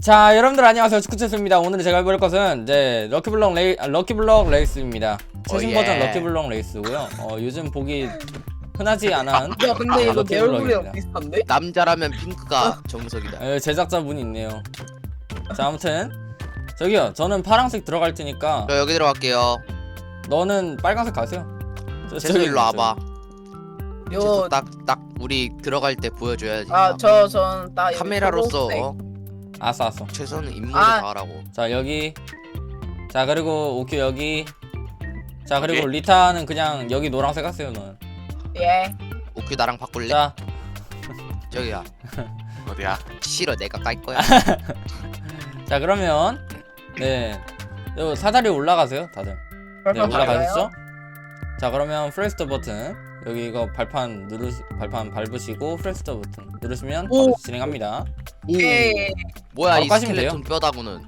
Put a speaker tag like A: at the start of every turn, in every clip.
A: 자, 여러분들 안녕하세요. 축구체스입니다. 오늘 제가 해볼 것은 이제 럭키블럭 레이스입니다. 최신 버전 럭키블럭 레이스고요. 요즘 보기 흔하지 않은
B: 야 근데 이거 내 얼굴이랑
A: 럭키블럭입니다.
B: 비슷한데?
C: 남자라면 핑크가 정석이다.
A: 제작자분이 있네요. 자, 아무튼 저기요, 저는 파란색 들어갈 테니까
C: 저 여기 들어갈게요.
A: 너는 빨간색 가세요.
C: 재수 일로 와봐.
B: 요
C: 재수 딱 우리 들어갈 때 보여줘야지.
B: 전 딱
C: 카메라로서
A: 알았어.
C: 최선은 임무를
B: 아.
C: 다하라고.
A: 자, 여기. 자, 그리고 오큐 여기. 자, 그리고
D: 여기?
A: 리타는 그냥 여기 노란색 하세요, 넌.
B: 예.
C: 오큐 나랑 바꿀래?
A: 자,
C: 저기야.
D: 어디야?
C: 싫어, 내가 깔 거야.
A: 자, 그러면 네, 요 사다리 올라가세요, 다들. 네, 올라가셨죠? 자, 그러면 프레스터 버튼 여기 이거 발판 밟으시고 프레스터 버튼 누르시면
B: 오.
A: 바로 진행합니다.
B: 예.
C: 뭐야
A: 바로
C: 이
A: 까시면
C: 스켈레톤 뼈다구는.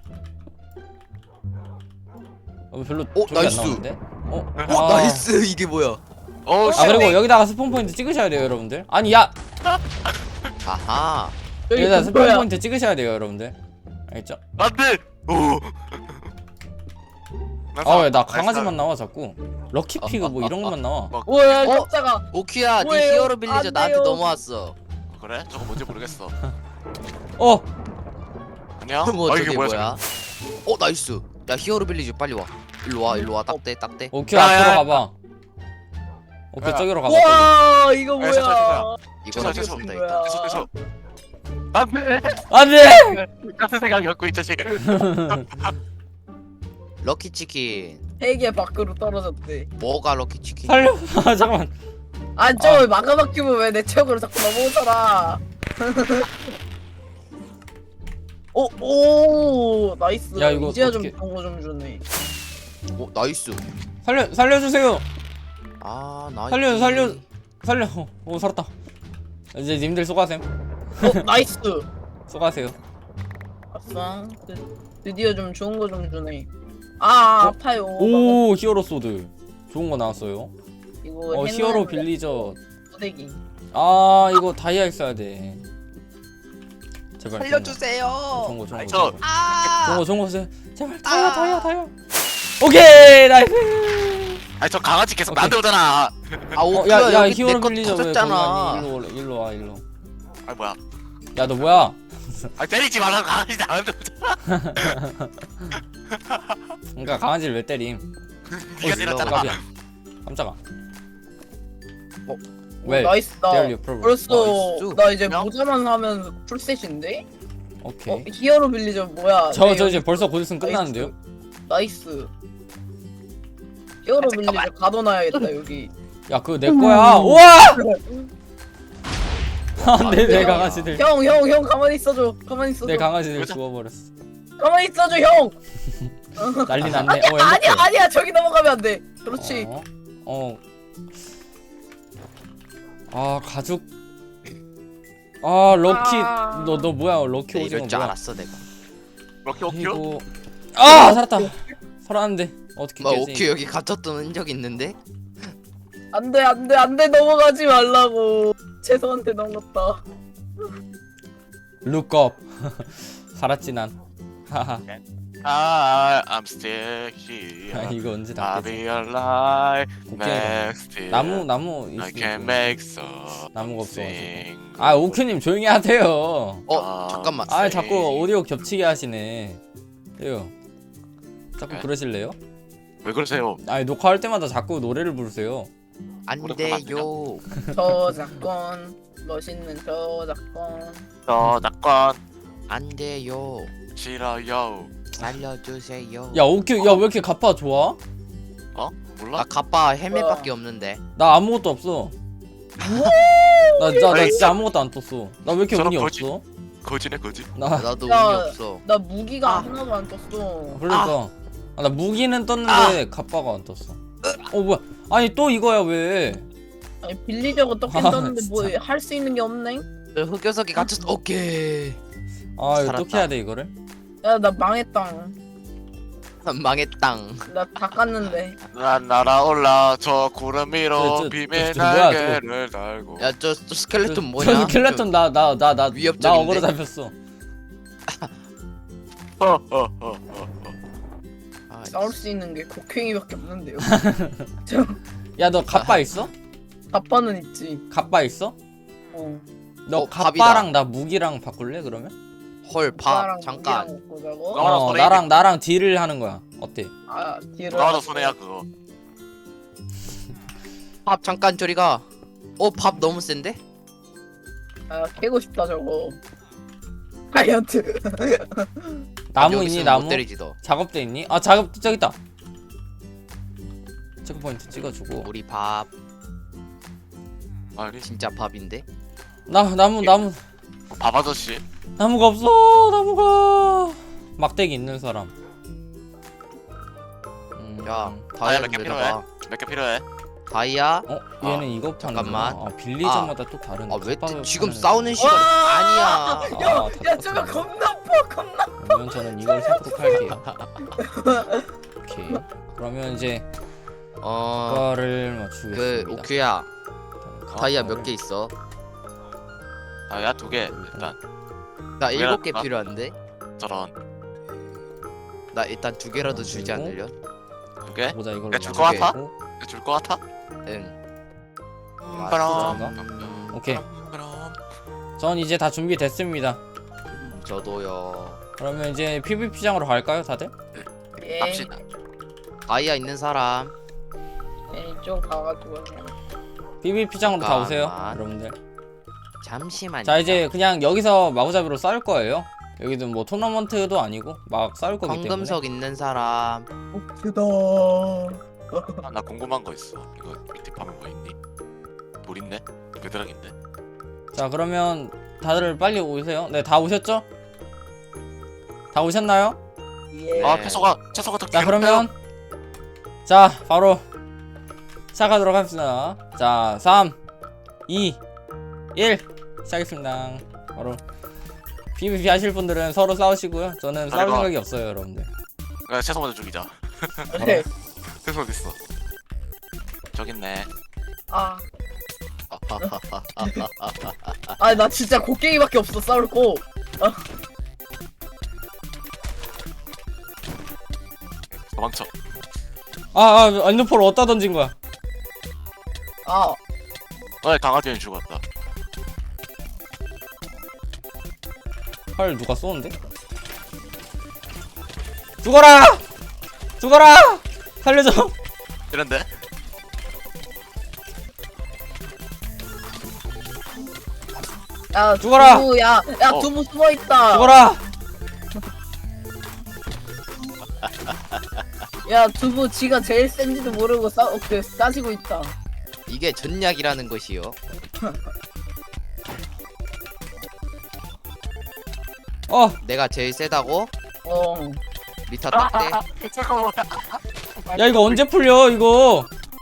A: 별로
C: 오,
A: 좋게 안
C: 나이스.
A: 나오는데?
C: 나이스. 이게 뭐야?
D: 어,
A: 아, 그리고 여기다가 스폰 포인트 찍으셔야 돼요, 여러분들. 아니, 야,
C: 아하.
A: 여기다 스폰
B: 뭐야?
A: 포인트 찍으셔야 돼요, 여러분들. 알겠죠?
D: 안돼. 오.
A: 왜 나 강아지만 나와 자꾸. 럭키 피그 뭐 이런 것만 나와.
B: 뭐야
C: 어?
B: 깜짝아.
C: 오큐야, 네
B: 뭐예요?
C: 히어로 빌리저
B: 안
C: 나한테
B: 돼요.
C: 넘어왔어.
D: 그래? 저거 뭔지 모르겠어.
A: 어,
D: 안녕.
C: 뭐
D: 이게
C: 저게
D: 뭐야?
C: 뭐야? 나이스. 야 히어로 빌리저 빨리 와. 일로 와. 딱대.
A: 오큐
D: 야,
A: 앞으로
D: 야.
A: 가봐. 오큐
D: 야.
A: 저기로 가봐. 저기.
B: 와 이거 뭐야?
D: 죄송해요.
C: 이거는
D: 죄송,
C: 좋습니다
B: 뭐야?
C: 일단.
D: 됐어. 안돼.
A: 안돼.
D: 같은 생각이었고 이 자식.
C: 럭키 치킨.
B: 세계 밖으로 떨어졌대.
C: 뭐가 럭키 치킨?
A: 살려. 아, 잠깐만.
B: 저 막아막히면 왜 내 책으로 자꾸 넘어오잖아. 오 나이스.
A: 야, 이거
B: 이제야
A: 어떡해.
B: 좀 좋은 거 좀 주네.
C: 나이스.
A: 살려주세요.
C: 나이스.
A: 살려. 오, 살았다. 이제 님들 쏘가셈.
B: 나이스.
A: 쏘가세요.
B: 아싸. 드디어 좀 좋은 거 좀 주네. 아파요.
A: 오, 히어로 소드. 좋은 거 나왔어요.
B: 이거
A: 히어로 빌리저.
B: 포대기.
A: 이거 다이아 있어야 돼. 제발.
C: 살려주세요.
A: 좋은 거.
D: 저
A: 좋은 거 주세요. 제발. 다이아. 오케이, 나이스.
D: 아니 저 강아지 계속
A: 오케이.
D: 나한테 오잖아.
C: 오큐야
A: 야,
C: 여기
A: 히어로
C: 내거
A: 빌리저 왜 거기
C: 터졌잖아.
A: 아니? 일로 와.
D: 아니 뭐야?
A: 야, 너 뭐야?
D: 아니 때리지 말라고 강아지 나한테 오잖아.
A: 그러니까 강아지를 왜 때림?
D: 네가 때렸잖아.
A: 깜짝이야. 깜짝아. 왜?
B: 나이스. 나
A: Dare you prove?
B: 벌써
C: 나이스.
B: 나 이제
D: 명?
B: 모자만 하면 풀셋인데?
A: 오케이.
B: 히어로 빌리저 뭐야?
A: 저
B: 네,
A: 이제 벌써 곧 있으면 끝나는데요?
B: 나이스. 히어로 빌리저
D: 잠깐만.
B: 가둬놔야겠다 여기.
A: 야, 그거 내 거야. 우와! 안돼, 내 강아지들.
B: 형 가만히 있어줘. 가만히 있어줘.
A: 내 강아지들
D: 뭐죠?
A: 죽어버렸어.
B: 가만히 있어줘 형.
A: 난리 났네.
B: 아니야 저기 넘어가면 안 돼. 그렇지.
A: 가죽. 럭키.
B: 아.
A: 너 뭐야? 럭키
C: 네,
A: 오징어
C: 이럴 줄
A: 뭐야?
C: 알았어 내가.
D: 럭키 오큐?
A: 이거. 살았다. 살았는데 어떻게
C: 뭐
A: 깨지?
C: 오큐 여기 갇혔던 흔적 있는데?
B: 안돼 넘어가지 말라고. 죄송한테 넘었다.
A: 룩업. 살았지 난. 하하.
D: I'm still here.
A: 이거 언제
D: I'll
A: 다
D: be
A: 깨지?
D: alive
A: 오케이.
D: next year.
A: 나무
D: I
A: 있을
D: can
A: 거.
D: make some.
A: 나무가 없어.
D: sing.
A: 오큐님 조용히 하세요.
C: 잠깐만.
A: 자꾸 오디오 겹치게 하시네. 이거 자꾸
D: 네?
A: 그러실래요?
D: 왜 그러세요?
A: 녹화할 때마다 자꾸 노래를 부르세요.
C: 안 돼요.
B: 저작권 멋있는 저작권.
D: 저 낙관
C: 안 돼요.
D: 싫어요.
C: 살려주세요.
A: 야, 오큐, 야, 왜 이렇게 가파 좋아?
D: 몰라?
C: 나 가빠 헬멧밖에 없는데.
A: 나 아무것도 없어. 나 진짜 아무것도 안 떴어. 나 왜 이렇게
D: 저런
A: 운이
D: 거지.
A: 없어?
D: 거지네 거지.
C: 나도
B: 야.
C: 운이 없어.
B: 나 무기가 하나도 안 떴어.
A: 그러니까 나 무기는 떴는데 가파가 안 떴어. 뭐야? 아니 또 이거야 왜?
B: 아니 빌리저가 떴긴
A: 아,
B: 떴는데 뭐
A: 진짜.
B: 할 수 있는 게 없네.
C: 저 흑요석이 갇혔어. 오케이.
A: 이거
C: 살았다.
A: 어떻게 해야 돼 이거를?
B: 야 나 망했다.
C: 망했당.
B: 나 다 깠는데.
D: 난 날아올라 저 구름 위로
A: 저
D: 비밀
A: 뭐야,
D: 날개를 달고.
C: 저 스켈레톤
A: 저
C: 뭐냐?
A: 스켈레톤 나
C: 위협적인데?
A: 어그로 잡혔어.
C: 아,
B: 싸울 수 있는 게 곡괭이밖에 없는데요.
A: 야 너 갑바 있어?
B: 갑바는 있지.
A: 갑바 있어?
B: 어.
A: 너
C: 갑이다.
A: 갑바랑 나 무기랑 바꿀래 그러면?
C: 헐,
B: 오빠랑
C: 잠깐.
B: 무기랑 먹고 자고.
D: 나랑 손에
A: 나랑 딜을 하는 거야. 어때?
B: 아 뒤로.
D: 나도 손해야 그거.
C: 밥 잠깐 저리가. 밥 너무 센데?
B: 아 깨고 싶다 저거. 다이어트.
A: 나무
C: 여기
A: 있니
C: 있으면
A: 나무?
C: 못 때리지 너.
A: 작업대 있니? 아 작업 저기 있다. 체크포인트 찍어주고.
C: 우리 밥
D: 아니
C: 진짜 밥인데?
A: 나무
D: 밥 아저씨.
A: 나무가 없어. 나무가. 막대기 있는 사람.
C: 야,
D: 다이아
C: 다이아
D: 몇개
C: 좀
D: 필요해?
C: 내놔봐.
D: 몇 개 필요해?
C: 다이아?
A: 얘는 이거 파는
C: 잠깐만.
A: 빌리점마다 또 다른.
C: 왜
A: 갑바를
C: 지금
A: 파는
C: 싸우는 시간 아니야.
A: 아,
B: 야 저거 겁나 아파 겁나.
A: 그러면 저는 이걸 사도록 할게요. 오케이. 그러면 이제 이거를
C: 그
A: 맞추겠습니다.
C: 오큐야, 다이아 몇
A: 가방을-
C: 개 있어?
D: 아야 2개 일단.
C: 나
D: 두 개나
C: 7개
D: 줄까?
C: 필요한데?
D: 저런
C: 나 일단 2개라도 주지
A: 그리고?
C: 않으려?
D: 2개?
A: 보자 이걸로.
D: 야, 줄것 같아?
A: 맞추고.
D: 줄 것 같아?
C: 응.
D: 그럼.
A: 오케이.
D: 그럼.
A: 전 이제 다 준비됐습니다.
C: 저도요.
A: 그러면 이제 PVP장으로 갈까요, 다들?
B: 예.
D: 갑시다.
C: 다이아 있는 사람.
B: 이쪽 가가지고 그냥.
A: PVP장으로 다 오세요,
C: 잠깐만.
A: 여러분들.
C: 잠시만요.
A: 자 이제 그냥 여기서 마구잡이로 싸울 거예요. 여기도 뭐 토너먼트도 아니고 막 싸울 거기 때문에.
C: 황금석 있는 사람.
B: 오크다.
D: 아, 나 궁금한 거 있어. 이거 밑에 밤에 뭐 있니? 물 있네? 베드락인데?
A: 자 그러면 다들 빨리 오세요. 네, 다 오셨죠? 다 오셨나요?
B: 예.
D: 아
C: 네.
D: 채소가 더
A: 자 그러면 자 바로 시작하도록 합시다. 자 3 2 1 시작했습니다. 바로 PVP 하실 분들은 서로 싸우시고요. 저는 싸울
D: 아이고.
A: 생각이 없어요, 여러분들.
D: 야, 채소 먼저 죽이자.
B: 네.
D: 채소 어딨어? 저기 있네.
B: 아 나 진짜 곡괭이밖에 없어 싸울 거.
D: 도망쳐.
A: 안드폴 어디다 던진 거야?
B: 아
D: 강아지는 죽었다.
A: 활 누가 쏘는데? 죽어라! 죽어라! 살려줘!
D: 이런데?
B: 야
A: 죽어라!
B: 두부 야
D: 어.
B: 두부 숨어 있다.
A: 죽어라!
B: 야 두부 지가 제일 센지도 모르고 싸지고 있다.
C: 이게 전략이라는 것이요. 내가 제일 세다고?
B: 어.
C: 리타 딱대.
D: 잠깐만.
A: 야 이거 언제 풀려 이거?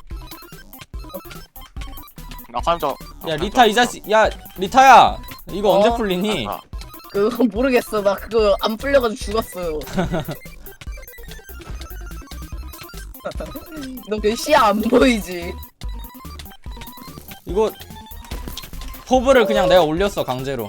D: 나 화염 좀.
A: 야 리타 이 자식 야 리타야 이거 언제
B: 어?
A: 풀리니?
D: 아,
B: 그거 모르겠어. 나 그거 안 풀려가지고 죽었어요. 너 그 시야 안 보이지?
A: 이거 포브를 그냥 내가 올렸어 강제로.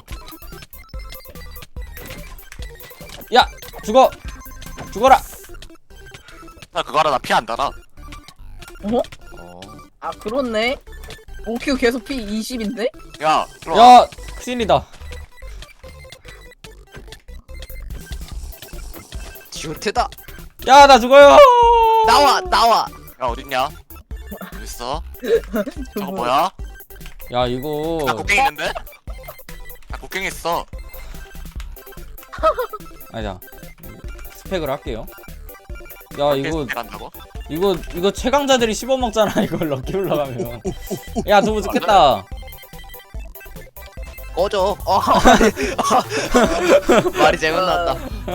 A: 야 죽어 죽어라.
D: 나 그거 알아. 나 피 안 달아.
B: 어?
C: 어.
B: 아 그렇네. 오큐 계속 피 20인데?
D: 야, 들어와.
A: 야 큰일이다.
C: 지오테다.
A: 야 나 죽어요.
C: 나와.
D: 야, 어딨냐? 어딨어? 저거
B: 두부.
D: 뭐야?
A: 야 이거
D: 나 곡괭이 있는데? 나 곡괭이 있어.
A: 아니다 스펙을 할게요. 야 이거
D: 간다고?
A: 이거 최강자들이 씹어먹잖아 이거 럭키 올라가면. 야 두부 죽겠다.
C: 꺼져. 말이 잘못 나왔다.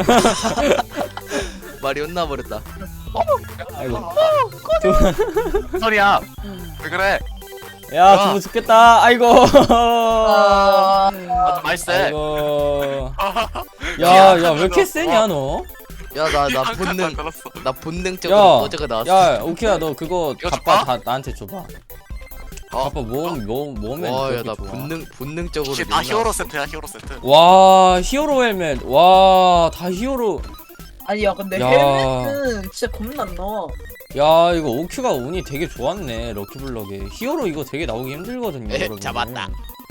C: 말이 혼나버렸다.
A: 아이고.
D: 무슨 소리야? 왜 그래?
A: 야 두부 죽겠다. 아이고.
B: 아,
D: 아, 좀 맛있어.
A: 아이고. 야야 왜 이렇게 세냐 너?
C: 야, 나
D: 안
C: 본능,
D: 걸었어.
C: 나 본능적으로
A: 야,
C: 꺼져가 나왔어.
A: 야 오키야 너 그거
D: 이거
A: 갑바
D: 줄까?
A: 다 나한테 줘봐.
C: 어?
A: 갑바 몸에
C: 와, 야,
A: 그렇게
C: 나
A: 좋아.
C: 본능적으로.
D: 혹시 다 히어로 세트야, 히어로 세트.
A: 와 히어로 헬멧 와 다 히어로
B: 아니 야 근데
A: 야.
B: 헬멧은 진짜 겁나 안 나와.
A: 야 이거 오큐가 운이 되게 좋았네 럭키블럭에. 히어로 이거 되게 나오기 힘들거든요 여러분.
C: 잡았다.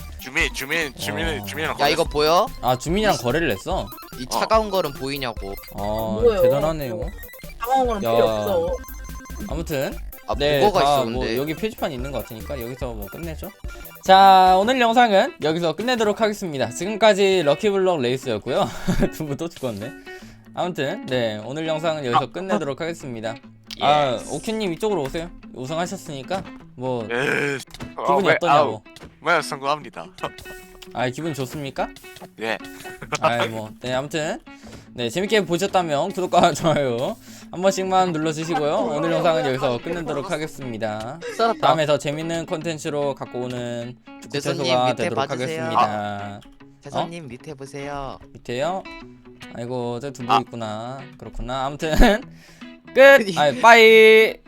D: 주민이랑
C: 야 이거 보여?
A: 아 주민이랑 거래를 했어?
C: 이 차가운 거는 보이냐고.
A: 아
B: 뭐예요?
A: 대단하네요.
B: 상황은
A: 야.
B: 필요 없어.
A: 아무튼
C: 아
A: 네,
C: 뭐가
A: 다
C: 있어
A: 뭐
C: 근데.
A: 여기 표지판 있는 것 같으니까 여기서 뭐 끝내죠. 자 오늘 영상은 여기서 끝내도록 하겠습니다. 지금까지 럭키블럭 레이스였고요. 두 분 또 죽었네. 아무튼 네 오늘 영상은 여기서 끝내도록 하겠습니다. 아 오큐님 이쪽으로 오세요. 우승하셨으니까 뭐 기분이 어떠냐고.
D: 네 성공합니다.
A: 아 기분 좋습니까?
D: 예.
A: 아이 뭐네 아무튼 네 재밌게 보셨다면 구독과 좋아요 한 번씩만 눌러주시고요. 오늘 영상은 여기서 끝내도록 하겠습니다.
B: 썰었다.
A: 다음에 더 재밌는 콘텐츠로 갖고 오는
C: 재선님
A: 축구채소가
C: 밑에
A: 되도록
C: 봐주세요.
A: 하겠습니다.
C: 재선님 밑에 보세요.
A: 밑에요? 아이고 저 두부 있구나. 그렇구나. 아무튼 끝. 아 빠이.